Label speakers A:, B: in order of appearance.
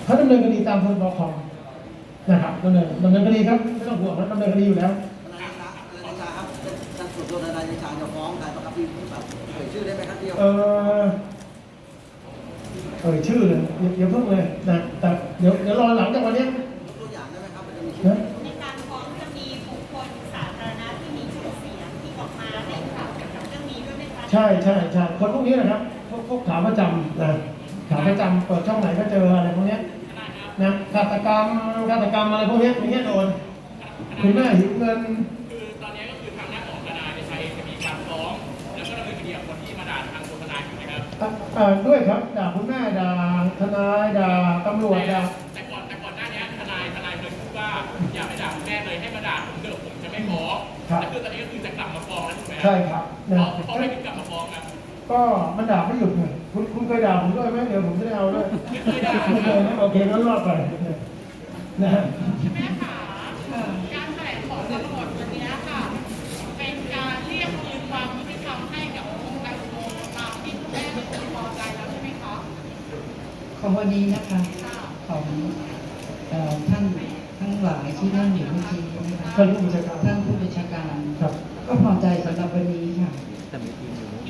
A: เขาดำเนินคดีตามพรบคอมนะครับดำเนินคดีครับไม่ต้องห่วงนะดำเนินคดีอยู่แล้ว
B: ทนายชาครับท่านส่วนตัวทนายชาจะฟ้องใครประกับพี่แบบชื่อได้ไหมครับเดียว
A: ชื่อเลยอย่าเพิ่งเลยนะแต่เดี๋ยวรอหลังจากวันนี้
B: ตัวอย่างได้ไหมครับมันจะมีชื่อ
C: ในการฟ้องจะมีบุคคลสาธารณะที่มีชื่อเสียงที่ออกมาให้ข่าวเกี่ยวกับเรื่องนี้ด้วยไหมคะ
A: ใช่คนพวกนี้นะครับพวกขาประจำนะขาประจำเปิดช่องไหนก็เจออะไรพวกนี้นะฆาตกรรมอะไรพวกนี้อย่างเงี้ยโดนคุณแม่หิวเงิน
D: คือตอนนี้ก็คือทางด้านของทนายชัยจะมีการฟ้องแล้วก็ดำเนินคดีกับคนที่มาด่าทางตัวทนายอยู่นะครับ
A: ด้วยครับด่าคุณแม่ด่าทนายด่าตำรวจด่า
D: แต่ก่อนหน้านี้ทนายเคยพูดว่าอย่าไปด่าคุณแม่เลยให้มาด่าผมเถอะผมจะไม่ฟ้องแต่คือตอนนี้ก็คือจะกลับมาฟ้องแล้วถูกไหม
A: ใช่ครับ
D: เพราะไม่ถึงกลับมาฟ้องครับ
A: ก็มันด่าไม่หยุดไงคุณเคยด่าผมด้วยไหมเดี๋ยวผมจะได้เอาด้วย
D: ไม่เคยด่า
A: โอเคงั้นรอดไปนะฮะ
C: แม่ขาการแถลงของตำรวจวันนี้ค่ะเป็นการเรียกคืนความยุติธรรมให้กับคุณแตงโมตามที่คุณแม่ไม่เคยพอใจแล้วใช่ไหมคะ
E: ของวันนี้นะคะของท่านทั้งหลายที่นั่งอยู่เมื่อกี้นะคะท่านผู้บัญชาการก็พอใจสำหรับวันนี้ค่ะ